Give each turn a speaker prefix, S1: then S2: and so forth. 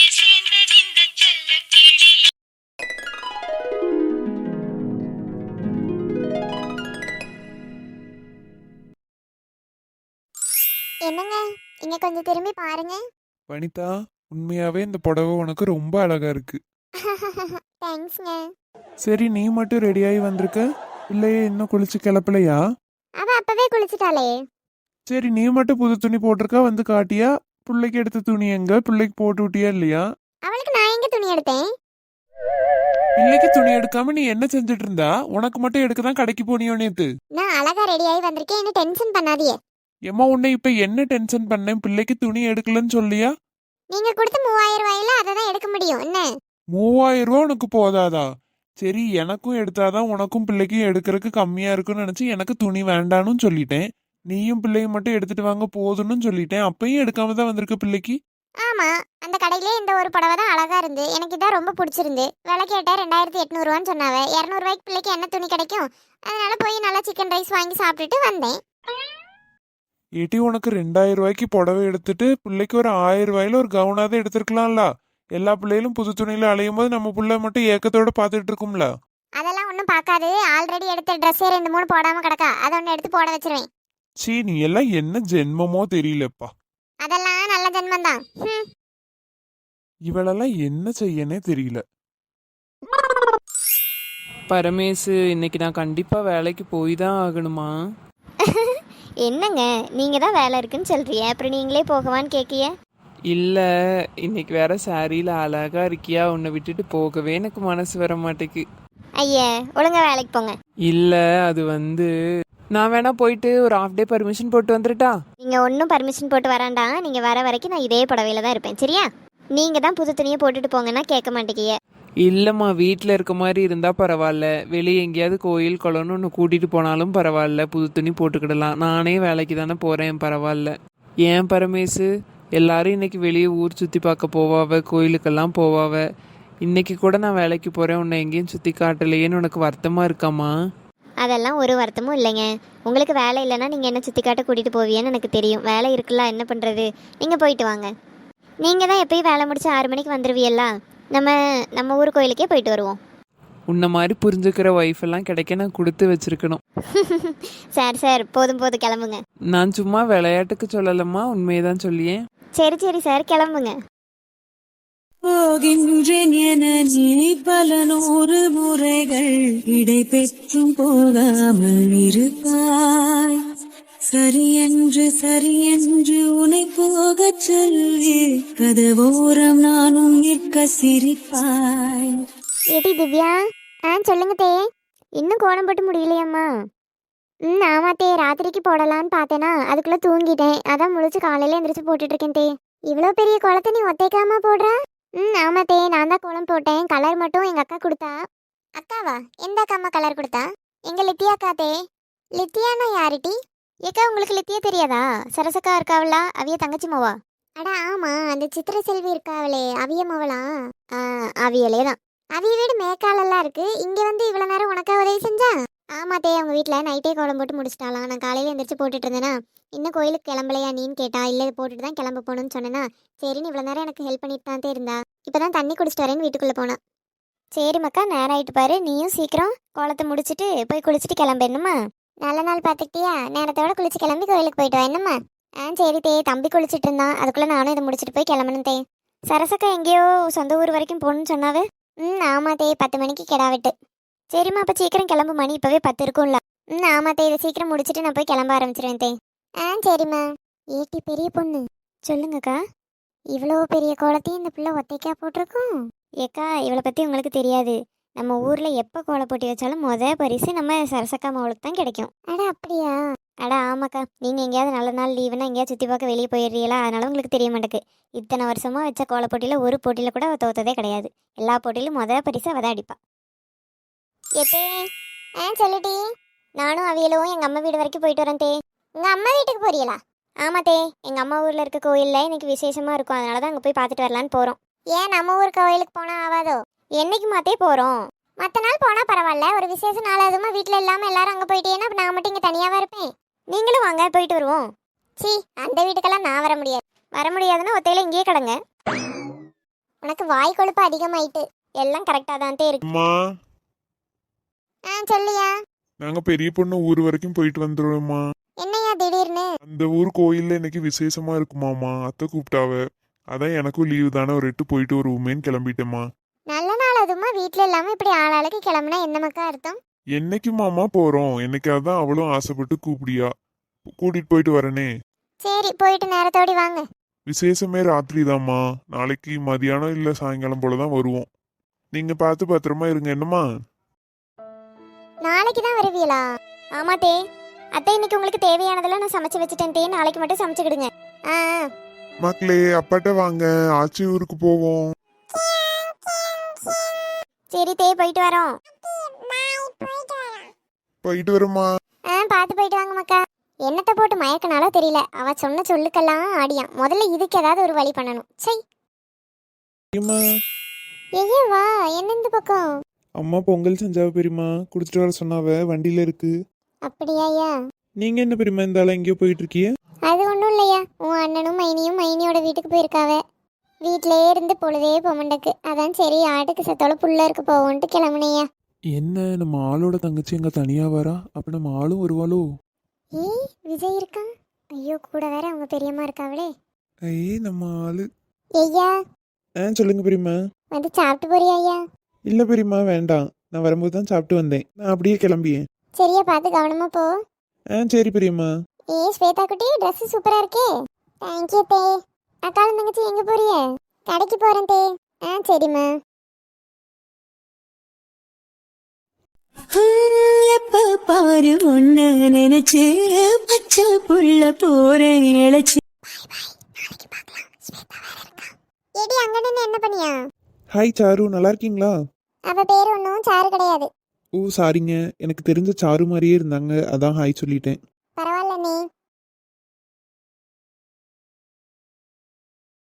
S1: என்னங்க, இங்க கொஞ்சம் திரும்பி பாருங்க.
S2: வனிதா, உண்மையாவே இந்த புடவை உனக்கு ரொம்ப அழகா இருக்கு.
S1: தேங்க்ஸ்ங்க.
S2: சரி, நீ மட்டும் ரெடியாகி வந்திருக்க, இல்லையே இன்னும் குளிச்சு கிளப்பலையா?
S1: அவ அப்பவே குளிச்சுட்டாளே.
S2: சரி, நீ மட்டும் புது துணி போட்டிருக்கா, வந்து காட்டியா? பிள்ளைக்கு எடுத்த துணி எங்க? பிள்ளைக்கு போட்டு விட்டியா இல்லையா?
S1: அவளுக்கு நான் எங்க துணி எடுத்தேன்?
S2: பிள்ளைக்கு துணி எடுக்காம நீ என்ன செஞ்சுட்டு இருந்தா? உனக்கு மட்டும் எடுக்க தான் கடைக்கு போனியோ நேத்து?
S1: நான் அழகா ரெடி ஆகி வந்திருக்கேன், என்ன டென்ஷன் பண்ணாதீங்க.
S2: ஏம்மா, உன்னை இப்ப என்ன டென்ஷன் பண்ணேன்? பிள்ளைக்கு துணி எடுக்கலன்னு சொல்லியா?
S1: நீங்க கொடுத்த 3000 ரூபாயில அதை தான் எடுக்க முடியும் என்ன?
S2: 3000 ரூபா உனக்கு போதாதா? சரி, எனக்கும் எடுத்தாதான் உனக்கும் பிள்ளைக்கும் எடுக்கிறதுக்கு கம்மியா இருக்குன்னு நினைச்சு எனக்கு துணி வேண்டான்னு சொல்லிட்டேன். நீயும் பிள்ளையும் மட்டும் எடுத்துட்டு வாங்க போதும்னு சொல்லிட்டேன். அப்பயும் எடுக்காம தான் வந்திருக்க பிள்ளைக்கு.
S1: ஆமா, அந்த கடையிலே இந்த ஒரு புடவை தான் அழகா இருந்து எனக்கு இதான் ரொம்ப பிடிச்சிருந்து. விலை கேட்ட 2800 ரூபான்னு சொன்னாவ. 200 ரூபாய்க்கு பிள்ளைக்கு என்ன துணி கிடைக்கும்? அதனால போய் நல்லா சிக்கன் ரைஸ் வாங்கி சாப்பிட்டுட்டு வந்தேன்.
S2: ஏட்டி, உனக்கு 2000 ரூபாய்க்கு புடவை எடுத்துட்டு பிள்ளைக்கு ஒரு 1000 ரூபாயில ஒரு கவுனாவது எடுத்திருக்கலாம்ல. எல்லா பிள்ளைகளும் புது துணியில அலையும் போது நம்ம புள்ள மட்டும் ஏக்கத்தோட பாத்துட்டு இருக்கும்ல.
S1: அதெல்லாம் ஒன்றும் பார்க்காது. ஆல்ரெடி எடுத்த ட்ரெஸ்ஸே 2 3 போடாம கிடக்கா. அதை ஒன்று எடுத்து போட வச்சிருவேன்.
S2: சீ, நீ எல்லாம் என்ன ஜென்மமோ தெரியலப்பா.
S1: அதெல்லாம் நல்ல ஜென்மம் தான்.
S2: இவளெல்லாம் என்ன செய்யனே தெரியல.
S3: பரமேசு, இன்னைக்கு நான் கண்டிப்பா வேலைக்கு போய் தான் ஆகணுமா?
S1: என்னங்க, நீங்க தான் வேலை இருக்குன்னு சொல்றிய, அப்புறம் நீங்களே போகவான்னு கேட்கிய?
S3: இல்லை, இன்னைக்கு வேற சாரியில் அழகா இருக்கியா, உன்னை விட்டுட்டு போகவே எனக்கு மனசு வர மாட்டேக்கு.
S1: ஐயா, ஒழுங்கா வேலைக்கு போங்க.
S3: இல்லை, அது நான் வேணா போயிட்டு ஒரு ஹாஃப் டே பர்மிஷன் போட்டு வந்துட்டா?
S1: நீங்க ஒன்றும் பர்மிஷன் போட்டு வராண்டா. நீங்க வர வரைக்கும் நான் இதே புடவையில தான் இருப்பேன், சரியா? நீங்க தான் புது துணியை போட்டுட்டு போங்கன்னா கேட்க மாட்டேங்கிய.
S3: இல்லைம்மா, வீட்டில் இருக்க மாதிரி இருந்தால் பரவாயில்ல, வெளியே எங்கேயாவது கோயில் குளம்னு ஒன்று கூட்டிகிட்டு போனாலும் பரவாயில்ல, புது துணி போட்டுக்கிடலாம். நானே வேலைக்கு தானே போகிறேன், பரவாயில்ல. ஏன் பரமேசு, எல்லாரும் இன்னைக்கு வெளியே ஊர் சுற்றி பார்க்க போவாவ, கோயிலுக்கெல்லாம் போவாவ. இன்னைக்கு கூட நான் வேலைக்கு போகிறேன், உன்னை எங்கேயும் சுற்றி காட்டலையேன்னு உனக்கு வருத்தமாக இருக்காமா?
S1: அதெல்லாம் ஒரு வருத்தமும் இல்லைங்க. உங்களுக்கு வேலை இல்லைன்னா நீங்கள் என்ன சுற்றி காட்ட கூட்டிகிட்டு போவியன்னு எனக்கு தெரியும். வேலை இருக்குல்ல, என்ன பண்ணுறது? நீங்கள் போயிட்டு வாங்க. நீங்கள் தான் எப்பயும் வேலை முடிச்சு 6 மணிக்கு வந்துடுவீல்ல. நம்ம ஊர் கோயிலுக்கே போயிட்டு வருவோம்.
S3: உன்னை மாதிரி புரிஞ்சுக்கிற ஒய்ஃப் எல்லாம் கிடைக்க நான் கொடுத்து வச்சிருக்கணும்.
S1: சார் போதும் கிளம்புங்க.
S3: நான் சும்மா விளையாட்டுக்கு சொல்லலம்மா, உண்மையை தான் சொல்லியேன்.
S1: சரி சார், கிளம்புங்க.
S4: போகின்றேன் என நீ பல 100 முறைகள் இடை பெற்றும் போகாமல் இருப்பாய். சரியென்று உனை போகச் சொல்லி கதவோரம் நானும் நிற்க சிரிப்பாய்.
S1: ஏடி திவ்யா, சொல்லுங்க தே. இன்னும் கோலம் போட்டு முடியலையம்மா? ஆமா தே, ராத்திரிக்கு போடலான்னு பார்த்தேனா அதுக்குள்ள தூங்கிட்டேன். அதான் முழிச்சு காலையில எந்திரிச்சு போட்டுட்டு இருக்கேன் தே. இவ்வளோ பெரிய கோலத்தை நீ ஒத்தைக்காம போடுற? ஆமா தே, நான் தான் கோலம் போட்டேன். கலர் மட்டும் எங்க அக்கா கொடுத்தா. அக்காவா? எந்த அக்காம்மா கலர் கொடுத்தா? எங்க லித்தியா அக்கா தே. லித்தியானா யாருட்டி? ஏக்கா, உங்களுக்கு லித்தியா தெரியாதா? சரசக்கா இருக்காவளா, அவிய தங்கச்சி மாவா? அட ஆமா, அந்த சித்திர செல்வி இருக்காவளே, அவிய மாவளா? அவியலே தான். அவிய வீடு மேக்காலெல்லாம் இருக்கு. இங்க வந்து இவ்வளவு நேரம் உனக்கா உதவி செஞ்சா? ஆமா தே, அவங்க வீட்டில் நைட்டே கோலம் போட்டு முடிச்சிட்டாலாம். நான் காலையில் எந்திரிச்சு போட்டுட்டு இருந்தேனா, இன்னும் கோயிலுக்கு கிளம்பலையா நீன்னு கேட்டா. இல்லை, போட்டுட்டு தான் கிளம்ப போகணும்னு சொன்னேன்னா, சரின்னு இவ்வளோ நேரம் எனக்கு ஹெல்ப் பண்ணிட்டு தான் இருந்தா. இப்போ தான் தண்ணி குடிச்சிட்டு வரேன்னு வீட்டுக்குள்ளே போனா. சரி மக்கா, நேரம் ஆகிட்டு பாரு, நீயும் சீக்கிரம் கோலத்தை முடிச்சுட்டு போய் குளிச்சுட்டு கிளம்ப. என்னம்மா, நல்ல நாள் பார்த்துக்கிட்டியா? நேரத்தோட குளிச்சு கிளம்பி கோயிலுக்கு போயிட்டு வா. என்னம்மா? சரி தே, தம்பி குளிச்சுட்டு இருந்தான், அதுக்குள்ளே நானும் இதை முடிச்சுட்டு போய் கிளம்பணும் தே. சரசக்கா எங்கேயோ சொந்த ஊர் வரைக்கும் போகணும்னு சொன்னாவே. ஆமா தே, 10 மணிக்கு கிடாவிட்டு. சரிம்மா, அப்போ சீக்கிரம் கிளம்பு, மணி இப்போவே 10 இருக்கும்ல. ஆமா தே, இதை சீக்கிரம் முடிச்சுட்டு நான் போய் கிளம்ப ஆரம்பிச்சிருவேன் தே. சரிம்மா. ஏட்டி பெரிய பொண்ணு, சொல்லுங்கக்கா. இவ்வளோ பெரிய கோலத்தையும் இந்த பிள்ளை ஒத்தைக்கா போட்டிருக்கோம். ஏக்கா, இவளை பற்றி உங்களுக்கு தெரியாது. நம்ம ஊரில் எப்போ கோலை போட்டி வச்சாலும் பரிசு நம்ம சரசக்கா மாவளுக்கு தான் கிடைக்கும். அட அப்படியா? அட ஆமாக்கா, நீங்கள் எங்கேயாவது நல்ல நாள் லீவுனா எங்கேயாவது சுற்றி பார்க்க வெளியே போயிடுறீங்களா, அதனால உங்களுக்கு தெரிய மாட்டேக்கு. இத்தனை வருஷமாக வச்ச கோலை போட்டியில் ஒரு போட்டியில் கூட அவள் தோத்ததே கிடையாது. எல்லா போட்டியிலும் பரிசு அவள் தான் அடிப்பா. ஏத்தே, சொல்லுடி. நானும் அவியலும் எங்கள் அம்மா வீடு வரைக்கும் போயிட்டு வரேன் தே. உங்கள் அம்மா வீட்டுக்கு போறீங்களா? ஆமா தே, எங்கள் அம்மா ஊரில் இருக்க கோயிலில் இன்னைக்கு விசேஷமாக இருக்கும், அதனால தான் அங்கே போய் பார்த்துட்டு வரலான்னு போகிறோம். ஏன் நம்ம ஊர் கோயிலுக்கு போனால் ஆகாதோ? என்னைக்கு மாத்தே போகிறோம். மற்ற நாள் போனால் பரவாயில்ல, ஒரு விசேஷ நாள் அதுமா வீட்டில் இல்லாமல் எல்லாரும் அங்கே போயிட்டேன்னா நான் மட்டும் இங்கே தனியாகவா இருப்பேன். நீங்களும் வாங்க, போயிட்டு வருவோம். சி, அந்த வீட்டுக்கெல்லாம் நான் வர முடியாது. வர முடியாதுன்னா ஒத்தையில இங்கேயே கிடங்க. உனக்கு வாய் கொழுப்பு அதிகமாயிட்டு. எல்லாம் கரெக்டா தான் இருக்கு.
S2: அம்மா
S1: சொல்லியா?
S2: நாங்க பெரிய பொண்ணு ஊர் வரைக்கும் போயிட்டு வந்துடுவோம்மா.
S1: என்னையா திடீர்னு?
S2: அந்த ஊர் கோயில்ல இன்னைக்கு விசேஷமா இருக்குமாமா, அத்தை கூப்பிட்டாவ. அதான் எனக்கும் லீவு தானே, ஒரு 8 போயிட்டு ஒரு உமேன்னு கிளம்பிட்டேம்மா.
S1: நல்ல நாள் அதுமா வீட்ல இல்லாம இப்படி ஆளாளுக்கு கிளம்புனா என்ன மக்கா அர்த்தம்?
S2: என்னைக்கு மாமா போறோம்? என்னைக்காவது தான் அவளும் ஆசைப்பட்டு கூப்பிடியா, கூட்டிட்டு போயிட்டு வரனே.
S1: சரி போயிட்டு நேரத்தோடி வாங்க.
S2: விசேஷமே ராத்திரி தாம்மா. நாளைக்கு மதியானம் இல்ல சாயங்காலம் போலதான் வருவோம். நீங்க பார்த்து பத்திரமா இருங்க என்னம்மா.
S1: நாளைக்கு தான் வருவீங்களா? ஆமா தே. அத்தை இன்னைக்கு உங்களுக்கு தேவையானதெல்லாம் நான் சமைச்சு வச்சுட்டேன் தே. நாளைக்கு மட்டும் சமைச்சுக்கிடுங்க. ஆ
S2: மக்களே அப்பாட்ட வாங்க, ஆச்சி ஊருக்கு போவோம்.
S1: சரி தே போயிட்டு வரோம்.
S2: போயிட்டு வருமா.
S1: பார்த்து போயிட்டு வாங்க மக்கா. என்னத்தை போட்டு மயக்கனாலோ தெரியல, அவ சொன்ன சொல்லுக்கெல்லாம் ஆடியான். முதல்ல இதுக்கு ஏதாவது ஒரு வழி பண்ணணும். சை ஐயோ வா. என்ன இந்த பக்கம்?
S2: அம்மா பொங்கல் செஞ்சாவ பெரியமா, குடிச்சிட்டு வர சொன்னாவ, வண்டியில இருக்கு.
S1: அப்படியாயா?
S2: நீங்க என்ன பெரியமா இந்த ஆள எங்கேயோ போயிட்டு இருக்கிய?
S1: அது ஒன்றும் இல்லையா, உன் அண்ணனும் மைனியும் மைனியோட வீட்டுக்கு போயிருக்காவ. வீட்டிலே இருந்து பொழுதே பொமண்டக்கு. அதான் சரி ஆட்டுக்கு சத்தோட புள்ள இருக்கு போவோன்ட்டு கிளம்புனையா.
S2: என்ன நம்ம ஆளோட தங்கச்சி எங்க தனியா வரா? அப்ப நம்ம ஆளும் வருவாளோ?
S1: ஏய் விஜய் இருக்கான். ஐயோ கூட வேற அவங்க பெரியம்மா இருக்காவளே.
S2: ஐயே நம்ம ஆளு.
S1: ஐயா
S2: சொல்லுங்க பெரியமா.
S1: வந்து சாப்பிட்டு போறியா ஐயா?
S2: இல்ல பெரியமா வேண்டாம், நான் வரும்போது தான் சாப்பிட்டு வந்தேன். நான் அப்படியே கிளம்பியேன்.
S1: சரியா பார்த்து கவனமா போ.
S2: சரி பெரியம்மா.
S1: ஏய் ஸ்வேதா குட்டி ட்ரெஸ் சூப்பரா இருக்கே. தேங்க்யூ தே. அக்காலும் தங்கச்சி எங்க போறிய? கடைக்கு போறேன் தே. சரிம்மா.
S4: எப்ப பாரு ஒன்ன நினைச்சு பச்சை புள்ள போறேன் இழைச்சு.
S1: ஏடி அங்க நின்னு என்ன பண்ணியா?
S2: ஹாய் சாரு, நல்லா இருக்கீங்களா?
S1: அவ பேர் ஒன்றும் சாரு கிடையாது.
S2: ஓ சாரிங்க, எனக்கு தெரிஞ்ச சாரு மாதிரியே இருந்தாங்க, அதான் ஹாய் சொல்லிட்டேன்.
S1: பரவாயில்ல நீ.